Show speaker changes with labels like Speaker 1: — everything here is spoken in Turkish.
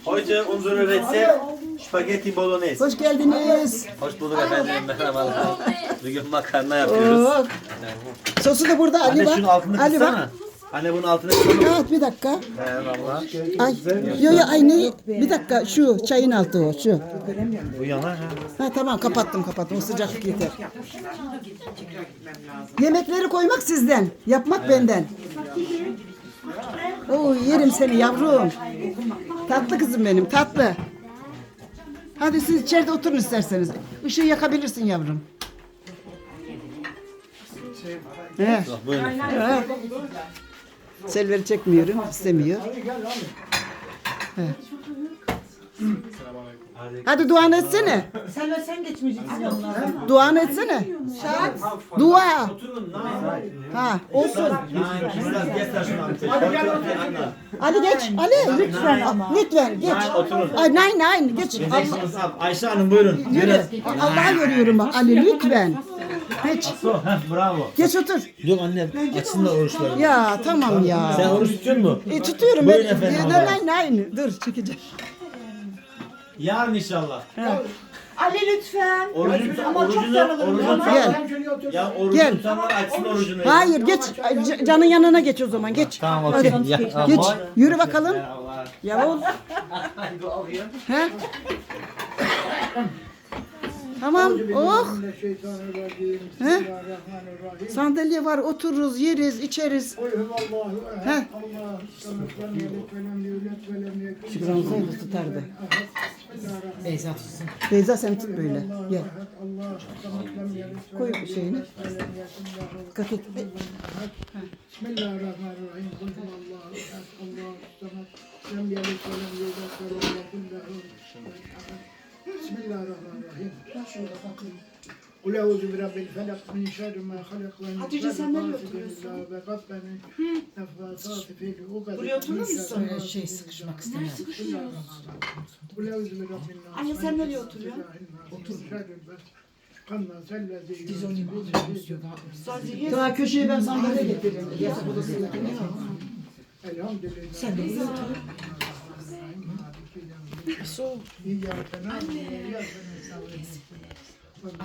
Speaker 1: Heute unsere Rezept Spaghetti Bolognese.
Speaker 2: Hoş geldiniz.
Speaker 1: Hoş bulduk efendim. Merhabalar. Bugün makarna yapıyoruz.
Speaker 2: Oh. Sosu da burada Ali
Speaker 1: Anne
Speaker 2: bak.
Speaker 1: şunun altını
Speaker 2: Ali bak.
Speaker 1: kıssana. Anne bunun altını kıssana.
Speaker 2: Evet bir dakika.
Speaker 1: Eyvallah.
Speaker 2: Ay, yo aynı bir dakika şu çayın altı o şu.
Speaker 1: Bu yanar ha.
Speaker 2: Ha tamam kapattım o sıcaklık yeter. Yemekleri koymak sizden, yapmak benden. Oo yerim seni yavrum. Tatlı kızım benim tatlı. Hadi siz içeride oturun isterseniz. Işığı yakabilirsin yavrum. Evet.
Speaker 1: Buyurun.
Speaker 2: Evet. Selver'i çekmiyorum, istemiyor. Evet. Hadi duanı etsene.
Speaker 3: Sen geçmeyeceksin onlardan.
Speaker 2: Duanı etsene. Dua. Ha, olsun. Ali geç. Ali lütfen. Lütfen geç. Ay nein geç. Allah,
Speaker 1: Ayşe Hanım buyurun.
Speaker 2: yürü. Allah'a görüyorum bak Ali lütfen. Geç.
Speaker 1: Bravo.
Speaker 2: Geç otur.
Speaker 1: Dur anne açsın da oruçları.
Speaker 2: Ya tamam
Speaker 1: Sen
Speaker 2: ya.
Speaker 1: oruç tutuyor musun?
Speaker 2: Tutuyorum
Speaker 1: Buyurun
Speaker 2: ben.
Speaker 1: efendim.
Speaker 2: Nein. Dur çekeceğim.
Speaker 1: Yarın inşallah.
Speaker 3: Ali lütfen.
Speaker 1: Ama çok
Speaker 2: Gel.
Speaker 1: Ya orucu
Speaker 2: Gel.
Speaker 1: tutanlar açsın orucunu.
Speaker 2: Hayır geç. Canın yanına geç o zaman geç.
Speaker 1: Tamam
Speaker 2: Hadi.
Speaker 1: okey. Ya,
Speaker 2: Geç.
Speaker 1: aman.
Speaker 2: Yürü bakalım.
Speaker 1: Allah.
Speaker 2: Yavuz. He? Tamam. Oh. He? Sandalye var. Otururuz, yeriz, içeriz. He? Şükran olsaydı tutardı.
Speaker 3: Beyza tutsun.
Speaker 2: Beyza sen tut böyle. Gel. Koy şeyini. Dikkat et.
Speaker 4: Bismillahirrahmanirrahim. Kul huvallahu ehad. Allahu samed. Lem yelid ve lem yulad ve lem yekun lehu kufuven ahad. Bismillahirrahmanirrahim. Kul euzu bi rabbil felak min şerri ma halak ve min
Speaker 3: Hatice, sen nereye
Speaker 4: şerri
Speaker 3: oturuyorsun?
Speaker 4: gasidin ve gafbenin nefasati fil ukad.
Speaker 3: Buraya oturur musun?
Speaker 4: Şey
Speaker 3: sıkışmak istemiyorum.
Speaker 4: Kul euzu bi rabbin nas.
Speaker 3: Anne, sen nereye oturuyorsun?
Speaker 4: Otur. Kanna sellezi.
Speaker 3: Biz onu sadece
Speaker 2: Daha köşeye ben sandalye getireyim. Yatak odasındakini.
Speaker 4: Elhamdülillah.
Speaker 3: sen de buraya otur.
Speaker 4: İyyâke nâbudu ve iyyâke nestaîn.